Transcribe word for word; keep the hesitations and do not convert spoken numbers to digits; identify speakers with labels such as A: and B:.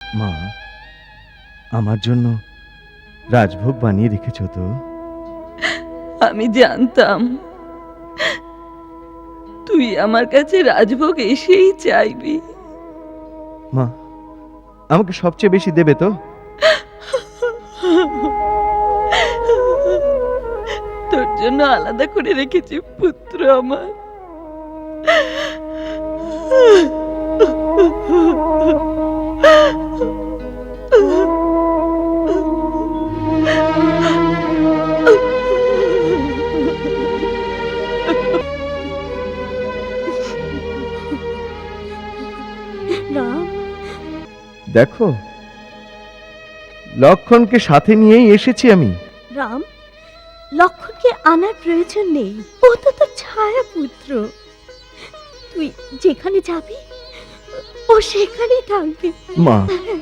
A: মা, আমার জন্য রাজভোগ বানিয়ে রেখেছো তো?
B: আমি জানতাম তুই আমার কাছে রাজভোগ এসেই চাইবি।
A: মা, আমাকে সবচেয়ে বেশি দেবে তো?
B: তোর জন্য আলাদা করে রেখেছি পুত্র আমার।
C: রাম,
A: দেখো, লক্ষণকে সাথে নিয়েই এসেছি আমি।
C: রাম, লক্ষণকে আনার প্রয়োজন নেই। ও তো তোর ছায়া পুত্র। তুই যেখানে যাবি ও সেখানেই থাকবে।
A: মা,